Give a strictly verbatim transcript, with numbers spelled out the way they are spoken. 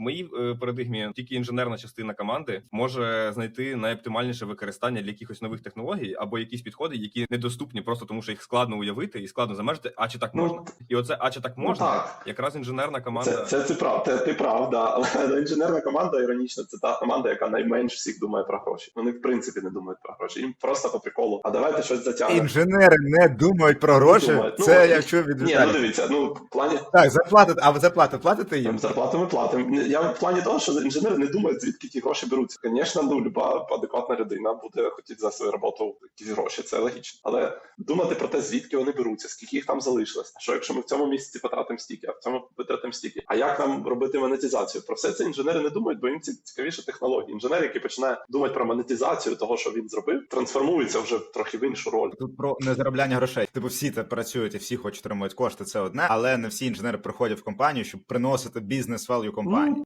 В моїй е, парадигмі тільки інженерна частина команди може знайти найоптимальніше використання для якихось нових технологій або якісь підходи, які недоступні просто тому, що їх складно уявити і складно замежити, а чи так Ну, можна. І оце а чи так ну, можна, так. якраз інженерна команда. Це, це ти прав, ти, ти прав, да. Але інженерна команда, іронічно, це та команда, яка найменш всіх думає про гроші. Вони в принципі не думають про гроші. Їм просто по приколу. А давайте щось затягнемо. Інженери не думають про гроші. Думають. Ну, Це от, я чув від Ні, Віталія. ну дивіться, ну в плані Так, заплатите, а ви заплатите, платите їм? там, зарплату ми платимо. Я в плані того, що інженери не думають, звідки ті гроші беруться. Звісно, ну люба адекватна людина буде хотіти за свою роботу якісь гроші, це логічно. Але думати про те, звідки вони беруться, скільки їх там залишилось. А що якщо ми в цьому місяці потратимо стільки, а в цьому витратимо стільки? А як нам робити монетизацію? Про все це інженери не думають, бо їм цікавіше технології. Інженер, який починає думати про монетизацію того, що він зробив, трансформується вже трохи в іншу роль. Тут про незаробляння грошей. Типу всі це працюють і всі хочуть отримувати кошти, це одне, але не всі інженери приходять в компанію, щоб приносити бізнес-велью компанії.